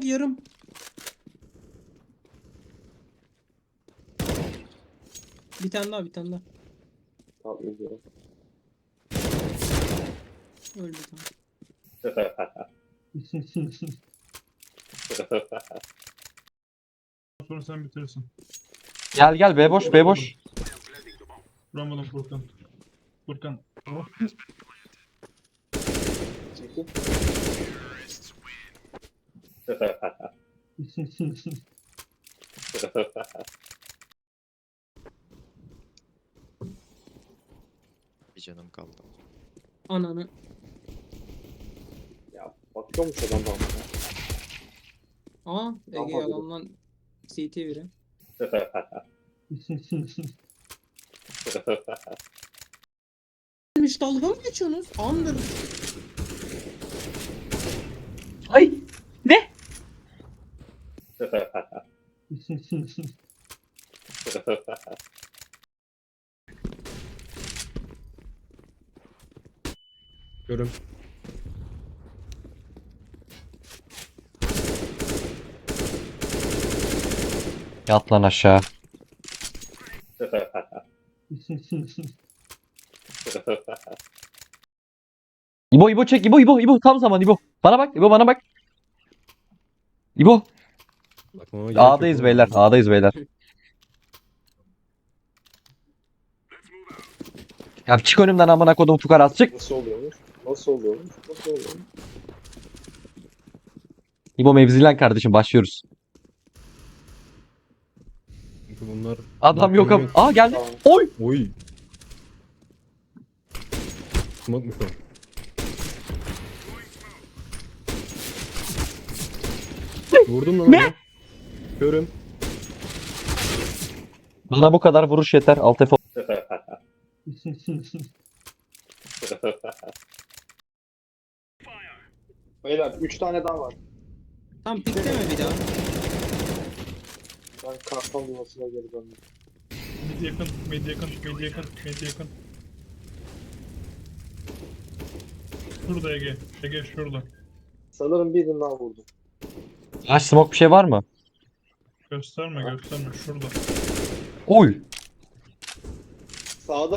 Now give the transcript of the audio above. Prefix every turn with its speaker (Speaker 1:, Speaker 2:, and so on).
Speaker 1: long yarım. Bir tane daha, bir tane daha.
Speaker 2: Tamam izliyorum.
Speaker 1: Öldü tamam.
Speaker 3: Sonra sen bitirirsin.
Speaker 4: Gel gel B boş B boş.
Speaker 3: Vuramadım Furkan. Furkan. Oh.
Speaker 2: Çekil.
Speaker 5: Bir canım kaldı.
Speaker 1: Ananı.
Speaker 2: Ya bakıyormuş adam bana.
Speaker 1: Aa Ege
Speaker 2: Tamam,
Speaker 1: yalandan CT biri. Demiş dalga mı geçiyorsunuz? Andır.
Speaker 4: Ay ne?
Speaker 6: Görüm.
Speaker 4: Yat lan aşağı. İbo İbo çek İbo İbo İbo tam zaman İbo. Bana bak İbo bana bak. İbo.
Speaker 6: Bakmama gerek yok
Speaker 4: A'dayız
Speaker 6: oğlum.
Speaker 4: beyler A'dayız beyler. Ya çık önümden amına kodum fukarası çık.
Speaker 2: Nasıl oluyormuş? Nasıl oluyormuş? Nasıl oluyormuş?
Speaker 4: İbo mevzilen kardeşim başlıyoruz.
Speaker 6: Çünkü bunlar...
Speaker 4: Adam yok ama. Aa geldi.
Speaker 2: Tamam.
Speaker 4: Oy.
Speaker 6: Oy. Smoke mu şu an? Vurdum lan. Ne? Görüm.
Speaker 4: Bana bu kadar vuruş yeter. Alt F.
Speaker 2: Beyler 3 tane daha var.
Speaker 1: Tam pikleme bir daha.
Speaker 2: Ben karton yuvasına geri döndüm.
Speaker 3: Mid yakın, mid yakın, mid yakın, mid yakın. Şurada Ege. Ege şurada.
Speaker 2: Sanırım birini daha vurdum.
Speaker 4: Aç smoke bir şey var mı?
Speaker 3: Gösterme gösterme şurada.
Speaker 4: Oy.
Speaker 2: Sağda